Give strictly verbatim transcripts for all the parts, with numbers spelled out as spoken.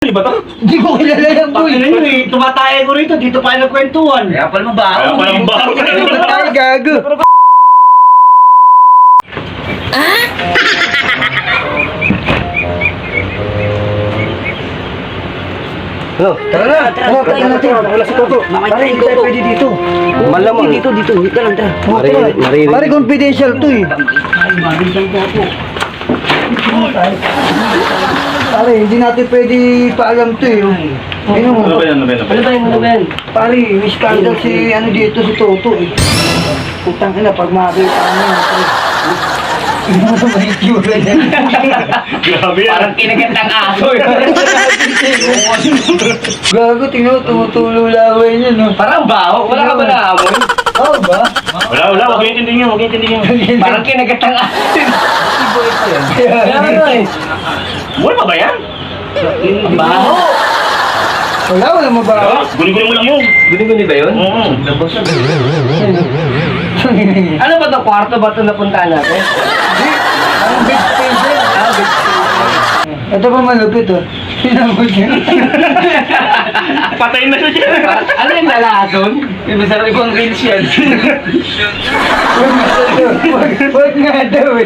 Di ba to? Hindi ko kilala yan, boy. Bakit na yun eh? Tumataya ko rito, dito pa yung nagkwentuhan. Kaya pala mabaho. Kaya pala mabaho. Ay, gago. Hello? Tara na, tara, tara natin. Wala si Toto. Pare, hindi tayo pwede dito. Malamang. Dito, dito. Dito lang, tara. Oh, Mari- tara. maririnig. Pare, confidential to eh. Ay, mabintang po ako. Pare, hindi natin pwede paalam to eh. Ano mo? Ano ba yan? Ano ba yan? Ano ba yan? Ano ba yan? Pare, may scandal si ano dito, si Toto eh. Putang ina, pag makakita ka na. Ano ba yung itsura niya? Grabe yan. Parang kinagandang aso. Gago, tingnan mo, tumutulo laway niya, no? Parang baho. Wala ka ba naamoy? Oo ba? Wala, wala. Huwag yung tindig nyo. Huwag yung tindig nyo. Parang kinagandang aso. Kaya ano eh. Mura pa ba yan? Ang baho. Wala, wala mabaho. Guli-guli mo lang yun. Guni-guni ba yun? Oo. Ano ba itong kwarto ba ito napuntahan natin? Ang big station. Ah, big Ito pa malupit oh. Sinamot niya. Patay na siya. Ano yung nalason? Yung masarap ibang reels yan. Huwag nga daw. Huwag huwag nga daw eh.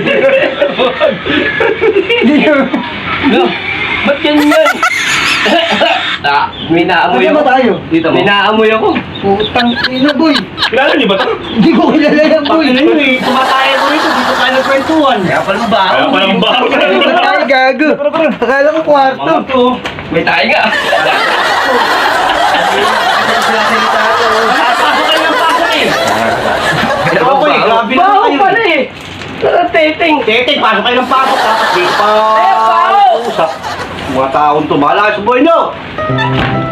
Hindi ko. No, ba't ganyan? Ah, may naamoy Ano ako. ba tayo? Dito mo. May naamoy ako. Putang ina boy. Kilala niyo ba ito? Hindi ko kilala yan boy. Bakit na yun eh? Tumataya ko rito, dito tayo nagkwentuhan. Kaya pala mabaho. Kaya pala mabaho. Ba't tayo gago? Akala ko kwarto. Mga to. May tayo nga. Pasok kayo ng pasok eh. Pero ako eh, grabe naman Baho kayo pala eh. Tara, teteng. Tete, pasok kayo ng pasok. Tapos dito pa. Eh, baho! Usap. Mga taon to, bahala kayo sa buhay nyo.